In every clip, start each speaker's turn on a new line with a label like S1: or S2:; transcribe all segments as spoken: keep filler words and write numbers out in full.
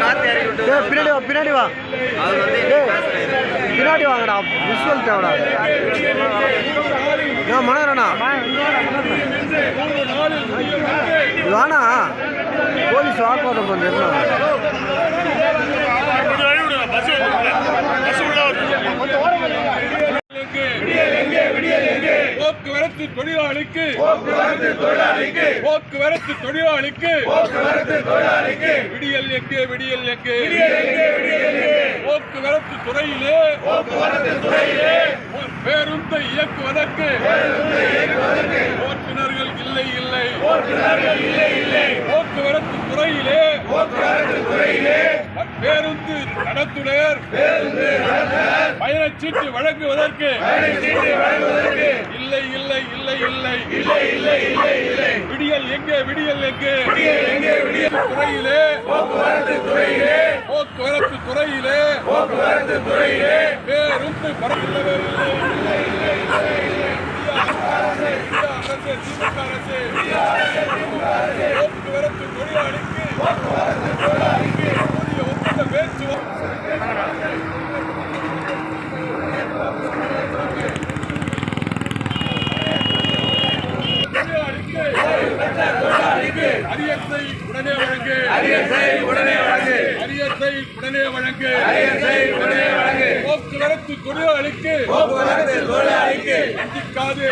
S1: பின்னாடி வா பின்னாடி வா பின்னாடி வாங்கடா விஷுவல் தேவடா மனோரண்ணா வாண்ணா போலீஸ் வாக்குவாதம் பண்ணுறேன்
S2: போக்குவரத்து தொழிலாளிக்கு போக்குவரத்து தொழிலாளிக்கு விடியல் எங்கே விடியல் எங்கே போக்குவரத்து துறையிலே பேருந்தை இயக்குவதற்கு ஓட்டுநர்கள் இல்லை இல்லை போக்குவரத்து துறையிலே பேருந்து நடத்துனர் பயணச்சீட்டு வழங்குவதற்கு இல்லை இல்லை இல்லை இல்லை விடியல் எங்கே விடியல் எங்கே துறையிலே போக்குவரத்து துறையிலே பேருந்து பரவில்லவே அரசு திமுக அரசு போக்குவரத்து தொழிலாளிக்கு ஒப்பந்த பேச்சுவார்த்தை அரியத்தை உடனே வழங்கு அரியத்தை உடனே வழங்கு அரியத்தை உடனே வழங்கு அரியத்தை உடனே வழங்கு போக்குவரத்து தொழிலாளிக்கு போக்குவரத்து தொழிலாளிக்கு வண்டிக்காது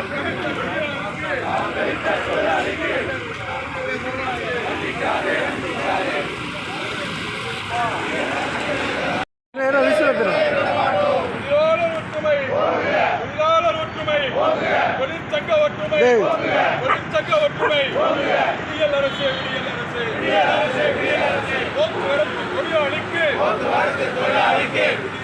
S2: தொழிற்சங்க ஒற்றுமை தொழிற்சங்க ஒற்றுமை விடியல் அரசு விடியல் அரசு போக்குவரத்து தொழிலாளிக்கு